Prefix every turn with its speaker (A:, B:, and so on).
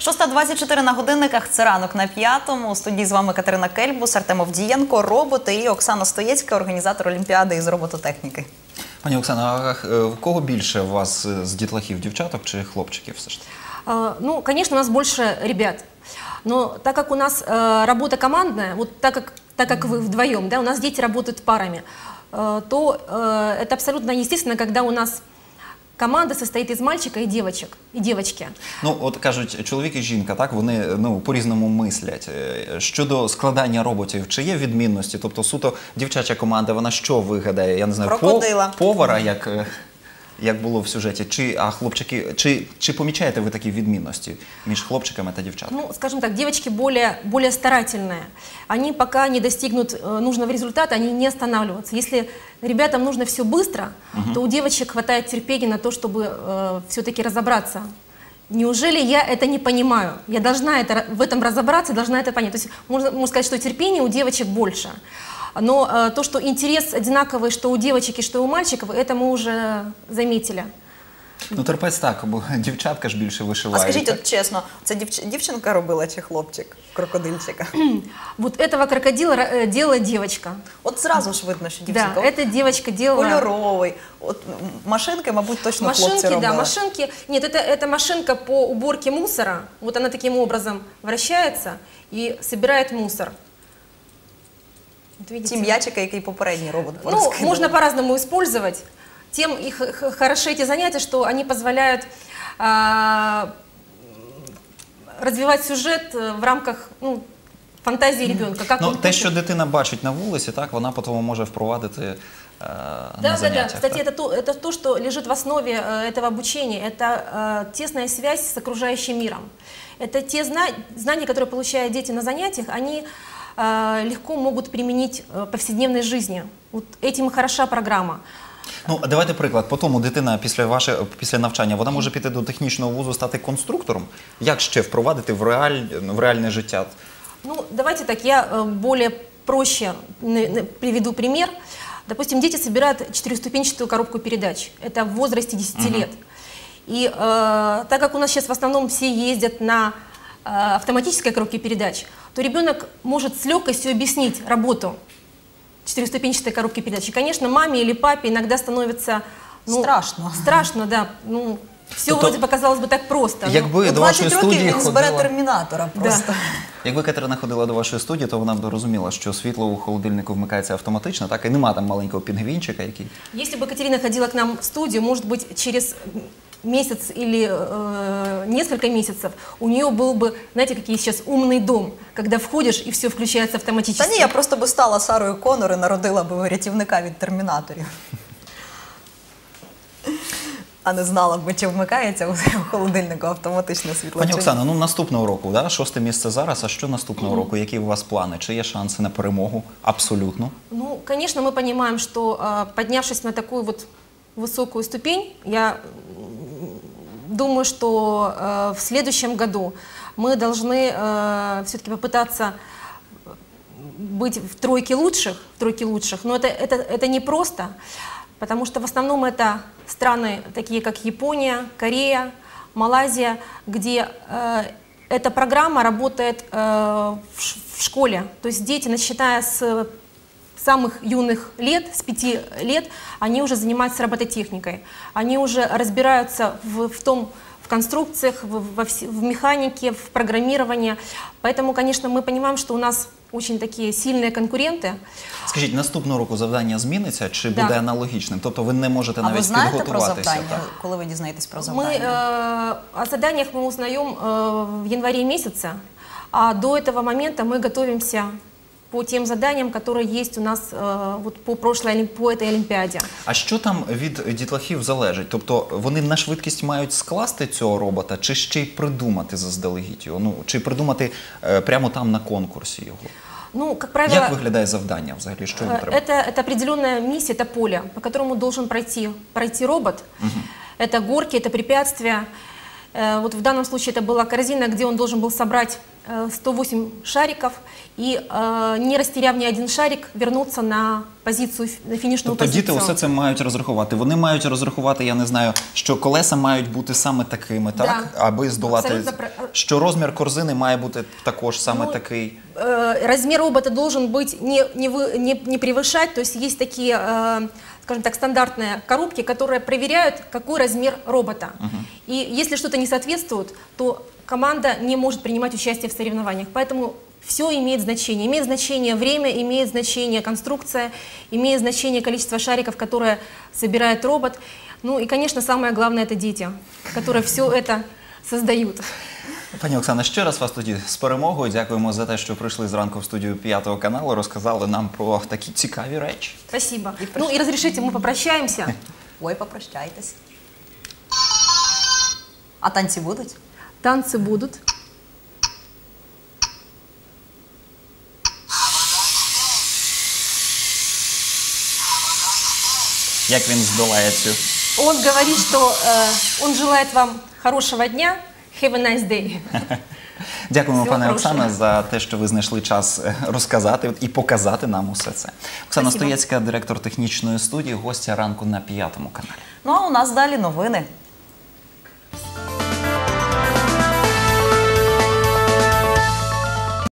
A: 6:24 на годинниках, це ранок на п'ятому. У студії з вами Катерина Кельбус, Артем Авдієнко, роботи і Оксана Стоєцька, організатор Олімпіади із робототехніки.
B: Пані Оксана, а в кого більше у вас з дітлахів, дівчаток чи хлопчиків все ж таки?
C: Ну, конечно, у нас больше ребят. Но так как у нас работа командная, вот так как вы вдвоем, да, у нас дети работают парами, то это абсолютно естественно, когда у нас команда состоит из мальчика и девочки.
B: Ну, от кажуть, чоловік і жінка, так, вони по-різному мислять. Щодо складання роботів, чи є відмінності? Тобто суто дівчача команда, вона що вигадає? Я не знаю, повара, як було в сюжеті, а хлопчики, чи помічаєте ви такі відмінності між хлопчиками та дівчатками?
C: Ну, скажем так, девочки более старательные. Они пока не достигнут нужного результата, они не останавливаются. Если ребятам нужно все быстро, то у девочек хватает терпения на то, чтобы все-таки разобраться. Неужели я это не понимаю? Я должна в этом разобраться, должна это понять. То есть можно сказать, что терпения у девочек больше. Но то, что интерес одинаковый, что у девочек и что у мальчиков, это мы уже заметили.
B: Ну, терпець так, бо дівчатка ж більше вишивають.
A: А скажіть, от чесно, це дівчинка робила чи хлопчик крокодильчика?
C: Вот этого крокодила делала девочка.
A: От зразу ж видно, що дівчинка.
C: Да, эта девочка делала...
A: Кольоровий. От машинки, мабуть, точно хлопці робили.
C: Да, машинки. Нет, это машинка по уборке мусора. Вот она таким образом вращается и собирает мусор.
A: Вот ті м'ячики, який попередній робот
C: порозкидав. Ну, можно по-разному использовать. Тем их хороши эти занятия, что они позволяют развивать сюжет в рамках фантазии ребенка.
B: Ну, те, що дитина бачить на вулиці, так, вона потім може впровадити на заняттях.
C: Да. Кстати, это то, что лежит в основе этого обучения. Это тесная связь с окружающим миром. Это те знания, которые получают дети на занятиях, они легко могут применить в повседневной жизни. Вот этим и хороша программа.
B: Ну, давайте приклад. Потім дитина після навчання, вона може піти до технічного вузу, стати конструктором? Як ще впровадити в реальне життя?
C: Ну, давайте так, я более проще приведу пример. Допустим, дети собирают четырехступенчатую коробку передач. Это в возрасте 10 лет. И так как у нас сейчас в основном все ездят на автоматической коробке передач, то ребенок может с легкостью объяснить работу четырехступенчатой коробки передач. И, конечно, маме или папе иногда становится страшно, да. Ну, все вроде показалось бы так просто.
B: Якби до вашої студії
A: він збере термінатора просто.
B: Якби Катерина ходила до вашої студії, то вона б розуміла, що світло у холодильнику вмикається автоматично, так, і нема там маленького пінгвінчика, який...
C: Если бы Катерина ходила к нам в студию, может быть, через месяц или несколько месяцев, у нее был бы, знаете, какие сейчас умный дом, когда входишь и все включается автоматически.
A: Та ні, я просто би стала Сарою Коннор і народила би рятівника від термінаторів. А не знала б, чи вмикається у холодильнику автоматичне світло.
B: Пані Оксано, ну наступного року, да? 6-те місце зараз, а що наступного року? Які у вас плани? Чи є шанси на перемогу? Абсолютно.
C: Ну, конечно, мы понимаем, что поднявшись на такую вот высокую ступень, я думаю, что в следующем году мы должны все-таки попытаться быть в тройке лучших, но это непросто, потому что в основном это страны, такие как Япония, Корея, Малайзия, где эта программа работает в школе. То есть дети, начиная с самых юных лет, с 5 лет, они уже занимаются робототехникой. Они уже разбираются в конструкциях, в механике, в программировании. Поэтому, конечно, мы понимаем, что у нас очень такі сильні конкуренти.
B: Скажіть, наступного року завдання зміниться чи буде аналогічним? Тобто ви не можете навіть підготуватися?
A: А ви знаєте про завдання, коли ви дізнаєтесь про завдання?
C: О заданнях мы узнаем в январе месяце, а до этого момента мы готовимся по тем заданням, которые есть у нас по этой Олімпіаді.
B: А що там від дітлахів залежить? Тобто вони на швидкість мають скласти цього робота, чи ще й придумати заздалегідь його? Ну, чи придумати прямо там на конкурсі його?
C: Ну, как правило,
B: як виглядає завдання взагалі? Що їм треба?
C: Это определенная миссия, это поле, по которому должен пройти робот. Это горки, это препятствия. Вот в данном случае это была корзина, где он должен был собрать 108 шариков и, не растеряв ни один шарик, вернуться на позицию, на фінішну
B: тобто
C: позицію.
B: діти усе це мають розрахувати. Вони мають розрахувати, я не знаю, що колеса мають бути саме такими, так?
C: Да.
B: Аби здолати,
C: Абсолютно
B: що розмір корзини має бути також саме такий.
C: Размер робота должен быть не превышать, то есть есть такие, скажем так, стандартные коробки, которые проверяют, какой размер робота. И если что-то не соответствует, то команда не может принимать участие в соревнованиях. Поэтому все имеет значение. Имеет значение время, имеет значение конструкция, имеет значение количество шариков, которые собирает робот. Ну и, конечно, самое главное – это дети, которые все это создают.
B: Пані Оксана, ще раз вас тоді з перемогою. Дякуємо за те, що прийшли зранку в студію 5 каналу, розказали нам про такі цікаві речі.
C: Спасибо. Ну и разрешите, мы попрощаемся.
A: Ой, попрощайтесь. А танці будуть?
C: Танцы будут.
B: Як він здолає цю?
C: Он говорит, что он желает вам хорошего дня. Have a nice day.
B: Дякуємо,
C: Всього
B: пане
C: хорошого.
B: Оксана, за те, що ви знайшли час розказати і показати нам усе це. Оксана
C: Спасибо.
B: Стоєцька, директор технічної студії, гостя ранку на 5 каналі.
A: Ну а у нас далі новини.